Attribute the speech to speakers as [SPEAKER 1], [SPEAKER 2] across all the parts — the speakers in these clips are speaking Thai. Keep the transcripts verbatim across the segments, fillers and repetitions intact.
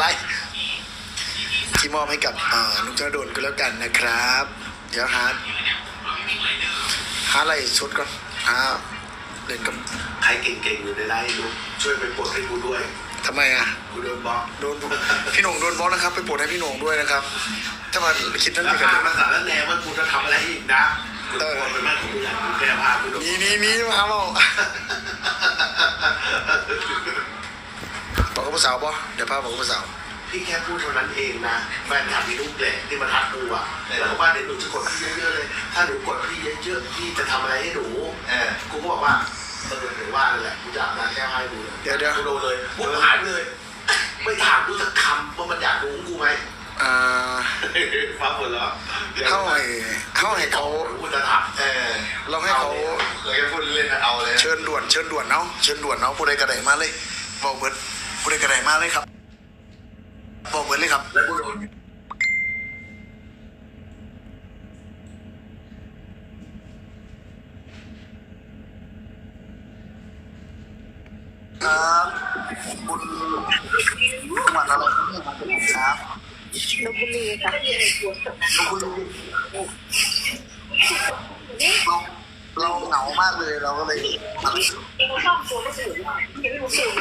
[SPEAKER 1] ไรที่มอบให้กับนุ๊กธนดลก็แล้วกันนะครับเดี๋ยวหาหาอะไรชุดก่อนหาเล่นกับ
[SPEAKER 2] ใครเก่งๆอยู่ในไลน์ลูกช่วยไปปลดให้กูด้วย
[SPEAKER 1] ทำไมอ่ะ
[SPEAKER 2] กูโดนบล็อก
[SPEAKER 1] โดนพี่หนุ่งโดนบล็อกนะครับไปปลดให้พี่หนุ่งด้วยนะครับถ้ามาคิดนั่น
[SPEAKER 2] เองกันมาสารแนว่ากูจะทำอะไรอีกนะกูโดนเป็นแม่ของกูอย่างกูแก้ผ้ากูโดน
[SPEAKER 1] นี่นี่นี่มาเอาบอกกับผู้สาวป่ะเดี๋ยวพาบอกกับผู้สาว
[SPEAKER 2] พี่แค่พูดเท่านั้นเองนะแฟนคลับมีลูกแหละที่มาทักกูอ่ะแล้วบอกว่าเดี๋ยวหนูจะกดพี่เยอะๆเลยถ้าหนูกดพี่เยอะๆพี่จะทำอะไรให้หนูเออกูก็บอกว่าเออหนูว่าเลยแหละกูจะอาบน้ำแค่ให้ดู
[SPEAKER 1] เดี๋ยวเดี๋ยว
[SPEAKER 2] กูโดนเลยกูหายเลยไม่ถามกูสักคำว่ามันอยากรู้กูไหม
[SPEAKER 1] อ่า
[SPEAKER 2] ฟ้าฝนแล้ว
[SPEAKER 1] เข้าให้เข้าให้เขา
[SPEAKER 2] พูดจะถามเออ
[SPEAKER 1] เราให้เขา
[SPEAKER 2] เราแค่พูดเล่นเอาเลย
[SPEAKER 1] เชิญด่วนเชิญด่วนเนาะเชิญด่วนเนาะผู้ใดกระไดมาเลยบอกเบิร์ดผู้ใดกระไดมาเลยครับบอกเบิร์ดเลยครับ
[SPEAKER 2] แล้วกูโดน
[SPEAKER 1] ครับคุณจังหวัดอะไรครับ
[SPEAKER 3] ลพบุรีค่ะ
[SPEAKER 1] ลพบุรีเราเราเหงามากเลยเราก็เลย
[SPEAKER 3] ชอบตัวไม่สวยยังไม่รู้สึก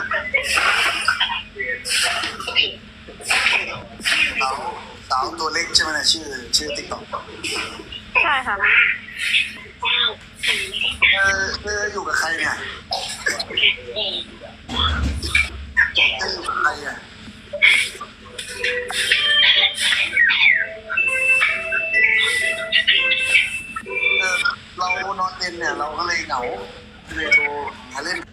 [SPEAKER 1] สาวสาวตัวเล็กใช่ไหมเนี่ยชื่อชื่อติ๊กต็อก
[SPEAKER 3] ใช่ค่ะ
[SPEAKER 1] เออเอออยู่กับใครเนี่ยจะอยู่กับใครอ่ะเออเรานอนเย็นเนี่ยเราก็เลยเหงาเลยโทรหาเล่น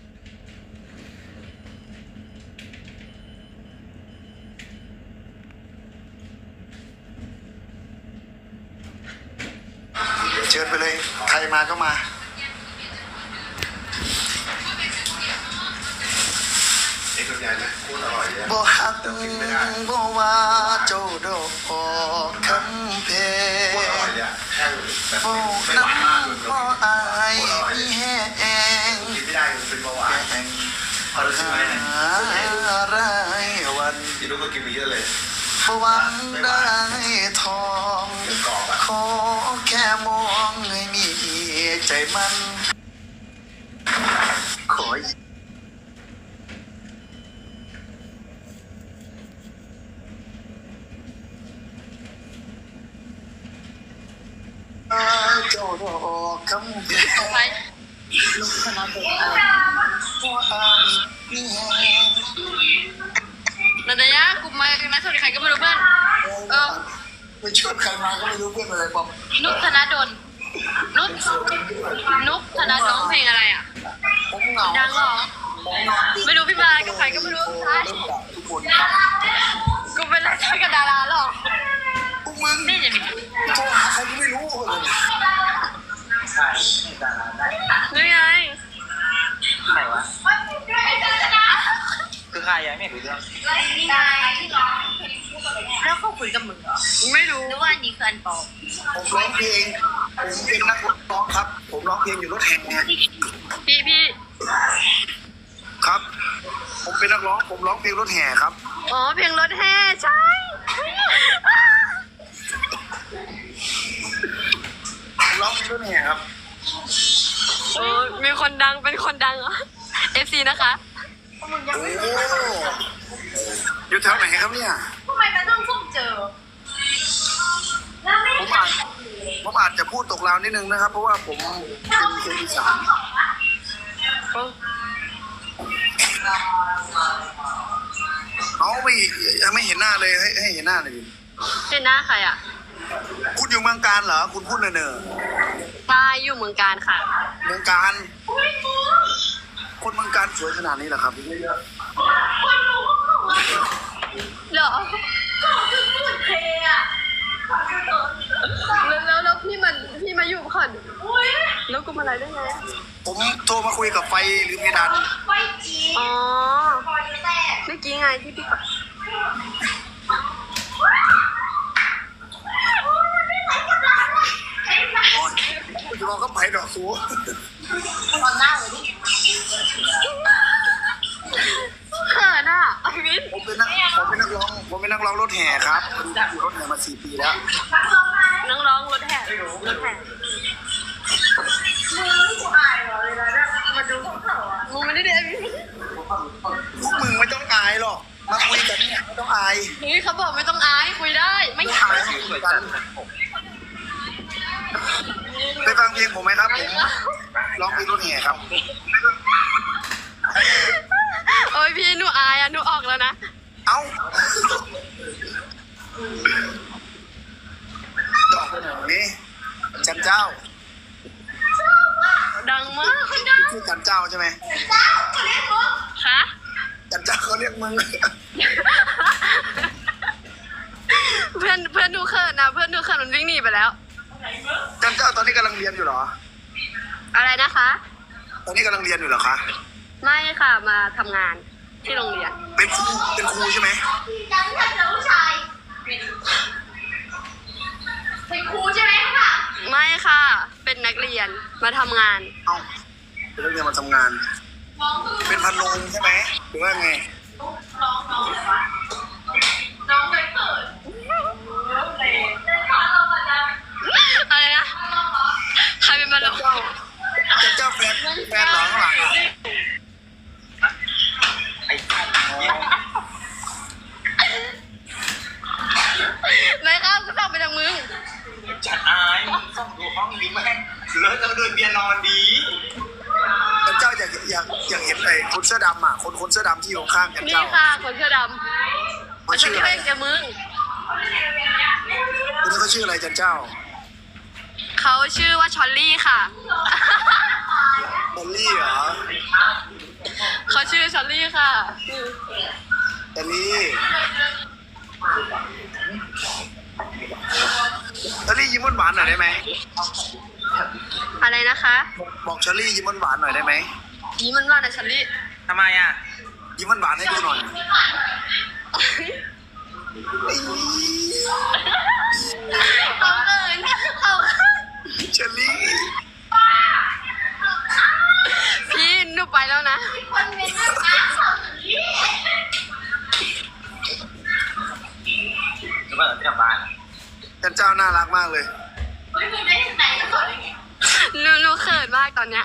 [SPEAKER 1] เชิญไปเลยใครมาก็มา
[SPEAKER 2] เอ็กซ์ใหญ่ไหมพูดอร่อยเลย
[SPEAKER 1] บ่ฮักบ่ว่าเจ้าดอกคำเพ
[SPEAKER 2] พูดอร่อยเลยแค่แบบไม่หวานมากเลย
[SPEAKER 1] บ่อายมีแห้ง
[SPEAKER 2] กินไม่ได้เป็นเบาหวานพอรู้สึกไหมเนี่ย
[SPEAKER 1] รายวัน
[SPEAKER 2] กินลูกก็กินไปเยอะเลย
[SPEAKER 1] บ่หวังได้ทองขอแค่มองให้มีใจมันขอเจ้าดอกคำเพ
[SPEAKER 3] ไปลูกคณะเป็นอะไรนันทยากูมามาสวัสดีใครก็ไม่รู้เพื่อนเออ
[SPEAKER 1] ไปชวนใครมาก็ไม่รู้เพื่อนอะไรป๊อป
[SPEAKER 3] นุกธนดลนุกนุกธนดลเพลงอะไรอ่ะ
[SPEAKER 1] ผมเหงา
[SPEAKER 3] ดังเหรอไม่รู้พี่มากับใครก็ไม่รู้ใช่
[SPEAKER 1] ทุกคนครับ
[SPEAKER 3] กูเป็นอะไรกับดาราหรอ
[SPEAKER 1] พวกมึง
[SPEAKER 3] นี่จะมี
[SPEAKER 1] โทรหาใครก็ไม่รู้เลย
[SPEAKER 2] ใช่ดาราได้
[SPEAKER 3] นี่ไง
[SPEAKER 2] ใครวะคือใครยังไม่รู้เรื่อง
[SPEAKER 3] นี่ไงแล้วเขาคุยกับมึงเหรอไม่รู้หรือว่านี่คืออันปอ
[SPEAKER 1] ผมร้องเพลงผมเป็นนักร้องครับผมร้องเพลงอยู่รถแห่
[SPEAKER 3] พี่พี่
[SPEAKER 1] ครับผมเป็นนักร้องผมร้องเพลงรถแห่ครับ
[SPEAKER 3] อ๋อเพลงรถแห่ใช่
[SPEAKER 1] ผมร้องเพลงรถแห่ครับ
[SPEAKER 3] โอ้มีคนดังเป็นคนดังเหรอ เอฟ ซี นะคะ
[SPEAKER 1] โอ้อยู่แถวไหนครับเนี่ย
[SPEAKER 3] ทำไมมันต้องส้มเจอ
[SPEAKER 1] ผมอาจผมอาจจะพูดตกราวนิดนึงนะครับเพราะว่าผมเป็นคนอีสานเขาไม่ไม่เห็นหน้าเลยให้ให้เห็นหน้าหน่อยดิ
[SPEAKER 3] เห็นหน้าใครอ่ะ
[SPEAKER 1] คุณอยู่เมืองการเหรอคุณพูดเนอ
[SPEAKER 3] ใช่อยู่เมืองการค่ะ
[SPEAKER 1] เมืองการคนเมืองการสวยขนาดนี้เหรอครับ
[SPEAKER 3] เหรอเทอะแล้วแล้วแล้วพี่มันพี่มาอยู่ก่อนแล้วกูมาอะไรได้ไง
[SPEAKER 1] ผมโทรมาคุยกับไฟหรือเพดาน
[SPEAKER 3] ไฟจีอ๋อเมื่อกี้ไงที่พี่ปัด
[SPEAKER 1] จะมองก็ไปดอกสู
[SPEAKER 3] ตอนหน้าเลยดิเขินอ่ะอวิน
[SPEAKER 1] ผมเป็นนักผมเป็นนักนักร้องรถแห่ครับอยู่รถแห่มาสี่ปีแล้ว
[SPEAKER 3] น้องร้องรถแห่รถแห่มาดูของเขาอ่ะมึงไม่ได้เดิน
[SPEAKER 1] พวกมึงไม่ต้องอายหรอกมาคุยกันเนี่ยไม่ต้องอาย
[SPEAKER 3] เฮ้ยเขาบอกไม่ต้องอายคุยได้ไม่
[SPEAKER 1] ไม่
[SPEAKER 3] อาย
[SPEAKER 1] อายคุยกันไปฟังเพลงผมไหมครับผมร้องเพลงรถแห่ครับ
[SPEAKER 3] โอ้ยพี่หนูอายอ่ะหนูออกแล้วนะ
[SPEAKER 1] เอ้าดอกไปไหนนี่จันเจ้า
[SPEAKER 3] ดังมากดัง
[SPEAKER 1] ชื่อจันเจ้าใช่ไหม
[SPEAKER 3] คะ
[SPEAKER 1] จันเจ้าเขาเรียกมึง
[SPEAKER 3] เพื่อนเพื่อนหนูเขินนะเพื่อนหนูเขินมันวิ่งหนีไปแล้ว
[SPEAKER 1] จันเจ้าตอนนี้กำลังเรียนอยู่เหรอ
[SPEAKER 3] อะไรนะคะ
[SPEAKER 1] ตอนนี้กำลังเรียนอยู่เหรอคะ
[SPEAKER 3] ไม่ค่ะมาทำงานที่โรงเรียน
[SPEAKER 1] เป็นครูเป็นครูใช่ไหม
[SPEAKER 3] จังค่ะผู้ชายเป็นครูใช่ไหมคะไม่ค่ะ เป็นนักเรียนมาทำงาน
[SPEAKER 1] เอ้าเป็นนักเรียนมาทำงาน เป็นพันโรงใช่ไหมหรือว่าไง
[SPEAKER 3] น้องน้องน้องเคยเปิดอะไรนะใครเป็นมาลง
[SPEAKER 1] จันเจ้าแฟนแฟนเหรอข้างหลังอ่ะ
[SPEAKER 4] ไอ้ท่าน
[SPEAKER 3] ไม่ค่ะกูสั่งไปจากมึง
[SPEAKER 4] จัดอายส่องดูห้องดีแม่งเลิกจะมาเดินเบียร์นอนดี
[SPEAKER 1] จันเจ้าอยากอยากอยากเห็นไอ้คนเสื้อดำอ่ะคนคนเสื้อดำที่อยู่ข้างจัน
[SPEAKER 3] นี่
[SPEAKER 1] เจ้า
[SPEAKER 3] ค่ะคนเสื้อดำ
[SPEAKER 1] เขา
[SPEAKER 3] ฉัน
[SPEAKER 1] ชื่อ
[SPEAKER 3] เค
[SPEAKER 1] อะไร
[SPEAKER 3] ยกับมึง
[SPEAKER 1] คนนี้เขาชื่ออะไรจันเจ้า
[SPEAKER 3] เขาชื่อว่าชอลลี่ค่ะ
[SPEAKER 1] บอลลี่เหรอ
[SPEAKER 3] เขาชื่อชอลลี่ค่ะ
[SPEAKER 1] บอลลี่บอลลี่ยิ้มหวานๆหน่อยได้ไหม
[SPEAKER 3] อะไรนะคะ
[SPEAKER 1] บอกชอลลี่ยิ้มหวานๆหน่อยได้ไหม
[SPEAKER 3] ยิ้มมันว่านะชอลลี่
[SPEAKER 4] ทำไมอ่ะ
[SPEAKER 1] ยิ้มหวานๆให้ดูหน่อย
[SPEAKER 3] เขาเอินเขา
[SPEAKER 1] ชอลลี่
[SPEAKER 3] พี่หนูไปแล้วนะคนเป็นนักการ
[SPEAKER 4] หรือว่าเราจะกลับบ้าน
[SPEAKER 1] จันเจ้าน่ารักมากเลย
[SPEAKER 3] หนูหนูเขินมากตอนเนี้ย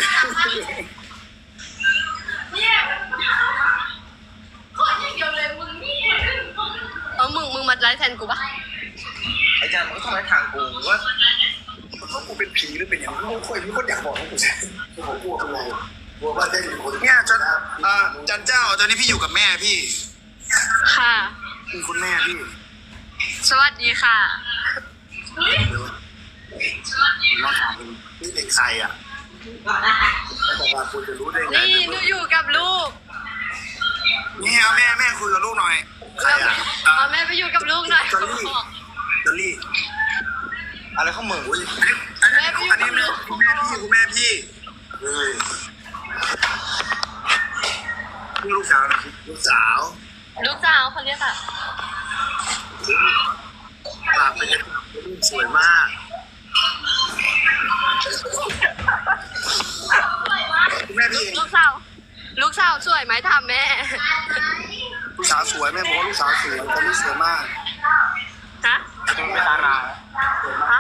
[SPEAKER 3] เอามึงมึงมาไลฟ์แทนกูปะ
[SPEAKER 4] ไอ้จันมันก็ทำให้ทางกูว่า
[SPEAKER 1] เขากูเป็นผีหรือเป็นอย่างนี้คนมีคนอยากบอกให้กูใช่ผมกลัวเป็นไรกลัวว่าได้มีคนเนี่ยจันอ่าจันเจ้าตอนนี้พี่อยู่กับแม่พี่
[SPEAKER 3] ค่ะ
[SPEAKER 1] มีคุณแม่พี่
[SPEAKER 3] สวัสดีค่ะ
[SPEAKER 1] น้องถามคุณนี่เด็กใครอ่ะเขาบอกว่าคุณจะรู้ได้ไง
[SPEAKER 3] นี่หนูอยู่กับลูก
[SPEAKER 1] นี่เอาแม่แม่คุยกับลูกหน่อยใครอ่ะ
[SPEAKER 3] เอาแม่ไปอยู่กับลูกหน่อย
[SPEAKER 1] จอลลี่จอลลี่
[SPEAKER 4] อะไรข้ามึง
[SPEAKER 1] อันนี้อันนี้คุณแม่พี่คุณแม่พี่เฮ้ยนี่ลูกสาวนะลูกสาว
[SPEAKER 3] ลูกสาวเขาเรียกอะ
[SPEAKER 1] ปากเป็นลูกสวยมากคุณแม่พี่เอง
[SPEAKER 3] ลูกสาว ลูกสาวสวยไหมถามแม่
[SPEAKER 1] ลูกสาวสวยแม่บอกว่าลูกสาวสวยตอนนี้สวยมาก
[SPEAKER 3] ฮะ
[SPEAKER 4] ไม่ตาลา
[SPEAKER 3] ฮะ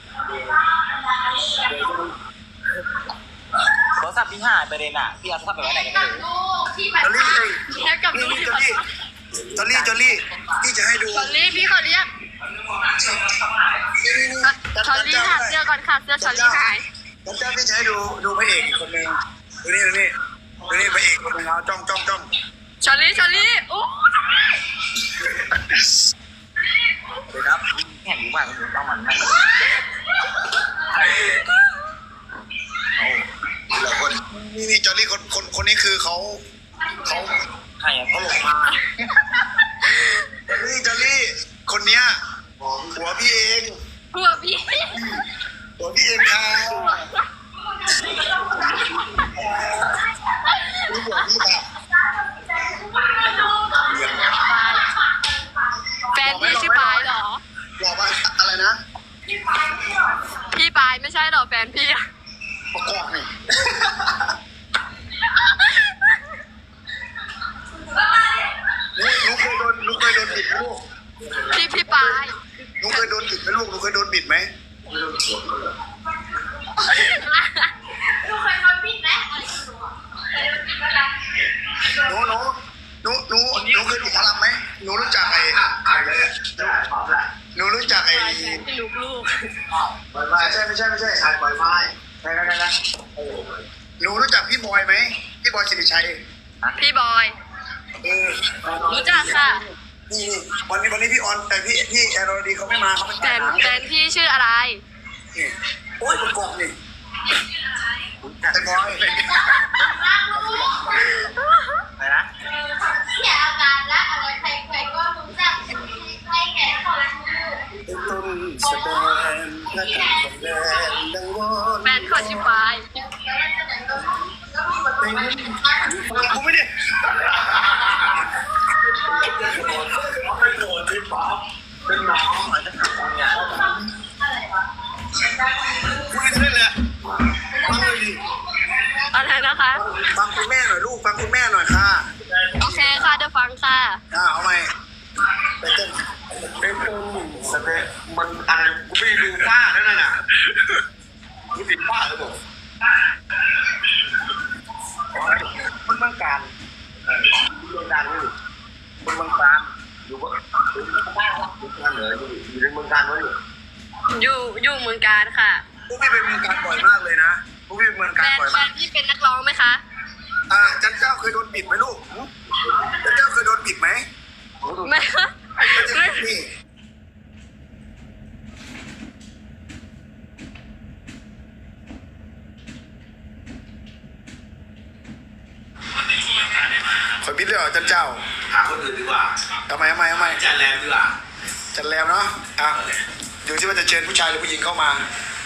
[SPEAKER 4] โทรศัพท์พี่หายไปเลยน่ะพี่เอาโทรศัพท์ไปไว้ไหนกันไม่รู้
[SPEAKER 1] จอลลี่เอ้ย
[SPEAKER 3] แค่กับ
[SPEAKER 1] นี่
[SPEAKER 3] ลูก
[SPEAKER 1] นี่จอลลี่จอลลี่จอลลี่พี่จะให้ดู
[SPEAKER 3] ชอลลี่พี่เขาเรียก
[SPEAKER 1] นี่นี่นี่
[SPEAKER 3] ชอลลี่ค่ะเสื้อก่อนค่ะเสื้อชอลลี่หาย
[SPEAKER 1] ผมจะพี่จะให้ดูดูพระเอกอีกคนนึงดูนี่ดูนี่ดูนี่พระเอกคนนึงเขาจ้องจ้องจ้อง
[SPEAKER 3] ชอลลี่ชอลลี่โอ้
[SPEAKER 1] เลยครับ
[SPEAKER 4] แข่งรู้ป่ะมันต้องมันนั่น
[SPEAKER 1] หลายคนนี่นี่จอลลี่คนคนคนนี้คือเขาเขา
[SPEAKER 4] ใครอ่ะ
[SPEAKER 1] เขาหลงมานี่จอลลี่คนเนี้ยหัวพี่เอง
[SPEAKER 3] หัวพี่
[SPEAKER 1] หัวพี่เองค่ะนี่หัวพี่ค่ะ
[SPEAKER 3] แฟนพี่ชื่อปายเหรอ
[SPEAKER 1] บอกว่าอะไรนะ
[SPEAKER 3] พี่ปายไม่ใช่เหรอแฟนพี่อะ
[SPEAKER 1] ประกอบนี่นี่หนูเคยโดนหนูเคยโดนบิดลูกนบิดไหมลูกหนูเคยโดนบิดไหม
[SPEAKER 2] ไม่ต้องสวมก็เลย
[SPEAKER 3] หนูเคยโดนบิดไหมอะไรที่หนูอ่ะเคยโดนบิดอะไร
[SPEAKER 1] หนูหนูหนูหนูหนูเคยดูหมอลำไหมหนูรู้จักไอ้
[SPEAKER 2] อ่ะอ่านเลยได้พร้อมแล้ว
[SPEAKER 1] หนูรู้จักไอ้
[SPEAKER 3] พี่ลูกลูก
[SPEAKER 2] บอยไม้
[SPEAKER 1] ไม่ใช่ไม่ใช่ไม่ใช่
[SPEAKER 2] ชายบอยไม้
[SPEAKER 1] ใช่ใช่ใช่หนูรู้จักพี่บอยไหมพี่บอยสิริชัย
[SPEAKER 3] พี่บอย
[SPEAKER 1] เออ
[SPEAKER 3] รู้จักค่ะ
[SPEAKER 1] นี่นี่วันนี้วันนี้พี่ออนแต่พี่พี่แอโรดีเขาไม่มาเขาไม่
[SPEAKER 3] แฟ
[SPEAKER 1] มาน หา
[SPEAKER 3] แฟนพี่ชื่ออะไร
[SPEAKER 1] นี่โอ้ยประกอบนี่ไอ้บอย
[SPEAKER 4] อะไรนะ
[SPEAKER 3] เสียอาการและอะไรใครใครก็รู้จักใครแก่ของ
[SPEAKER 1] เป็นต้นแสดงและการแสดงดังวอน
[SPEAKER 3] แฟนคนชื่อปาย
[SPEAKER 1] กูไม่ได้
[SPEAKER 2] เขาเป็นโดนที่ป๊อปเป็นน้องอาจจะทำงาน
[SPEAKER 1] กูไม่ได้เลยฟังเลยดิ
[SPEAKER 3] อะไรนะคะ
[SPEAKER 1] ฟังคุณแม่หน่อยลูกฟังคุณแม่หน่อยค่ะ
[SPEAKER 3] โอเคค่ะเดี๋ยวฟังค่ะ
[SPEAKER 1] อ่าเอาไหมไปเต้น
[SPEAKER 2] เป็นต้นสเตมันอะไรกูไม่ได้ดูป้านั่นน่ะกูติดป้าหรือเปล่า
[SPEAKER 1] คนเมืองการ
[SPEAKER 2] เรื่องการไม่อยู่
[SPEAKER 1] คนเมืองการ
[SPEAKER 2] อยู่ว่าอยู่บ้านรักอยู่งานเหนืออยู่อยู่ในเมืองการวะอยู่
[SPEAKER 3] อยู่อยู่เมืองการค่ะ
[SPEAKER 1] พวกพี่ไปเมืองการบ่อยมากเลยนะพวกพี่ไปเมือง
[SPEAKER 3] แฟ
[SPEAKER 1] การ
[SPEAKER 3] น
[SPEAKER 1] บ่อย
[SPEAKER 3] แฟ
[SPEAKER 1] มาก
[SPEAKER 3] นพี่เป็นนักร้องไหมคะ
[SPEAKER 1] อ่าจันเจ้าเคยโดนบิดไหมลูกจันเจ้าเคยโดนบิดไหม
[SPEAKER 3] ไม่ค่ะ
[SPEAKER 1] ไม่ใช่พี่คอยบิดเลยเหรอจันเจ้า
[SPEAKER 2] หาคนอื่นดีกว่า
[SPEAKER 1] ทำไมทำไมทำไม
[SPEAKER 2] จานแรมดีกว่า
[SPEAKER 1] จันแรมเนาะอ่ะอยู่ที่ว่าจะเชิญผู้ชายหรือผู้หญิงเข้ามา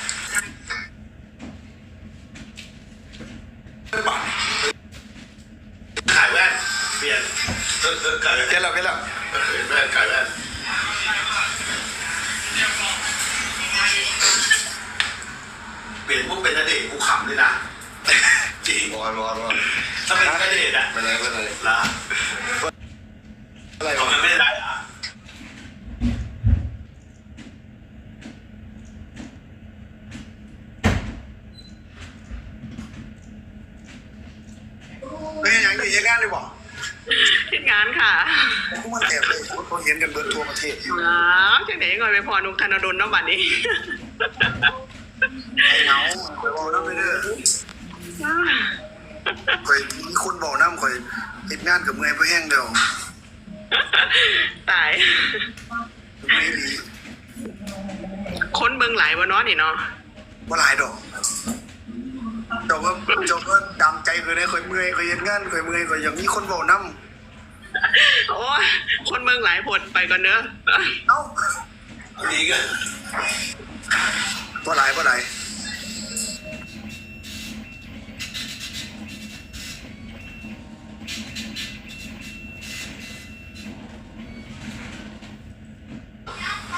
[SPEAKER 1] หรือเปล่า
[SPEAKER 2] ขายแว่นเปลี่ยนเออเออขายแว่น
[SPEAKER 1] เปลี่ยนแล้วเปลี่ยนแล้ว
[SPEAKER 2] เออแว่นขายแว่นเปลี่ยนพวกเป็นนเดชน์กูขำเลยนะจริง
[SPEAKER 5] ร้อนร้อนร้อน
[SPEAKER 2] ถ้าเป็นนเดชน์อะ
[SPEAKER 5] ไม่เลยไม่เลย
[SPEAKER 2] ละ
[SPEAKER 1] อะไร
[SPEAKER 2] ทำ
[SPEAKER 1] วะ
[SPEAKER 2] ไมไม่ได้อะ
[SPEAKER 1] เป็นอย่างนี้ยังงานเลยบอก
[SPEAKER 6] ทิศงานค่ะ
[SPEAKER 1] พวกมันแอบเลยเขาเห็นกันเบิร์ทั่วประเทศอยู่
[SPEAKER 6] อ๋อจังไหนก่อนไปพอนุกธนดลเนาะบัดนี้
[SPEAKER 1] ไอ้เหงาคอยบอกน้ำไปเด้อคอยมีคนบอกน้ำคอยติดงานกับเมื่อยเพื่อแห้งเดียว
[SPEAKER 6] ตาย
[SPEAKER 1] ไม่ดี
[SPEAKER 6] คนเบิ่งหลายวะเนาะนี่เนาะ
[SPEAKER 1] ว่าหลายดอกแต่ว่าเจบว่าดำใจคือได้คอยเมื่อยคอยเห็นงานคอยเมื่อยคอยอย่างนี้คนบอกน้
[SPEAKER 6] โอ้ยคนเบิ่งหลายผดไปก่อนเนอะ
[SPEAKER 1] ำเอ้า
[SPEAKER 2] ดีกัน
[SPEAKER 1] ว่าหลายว่าหลาย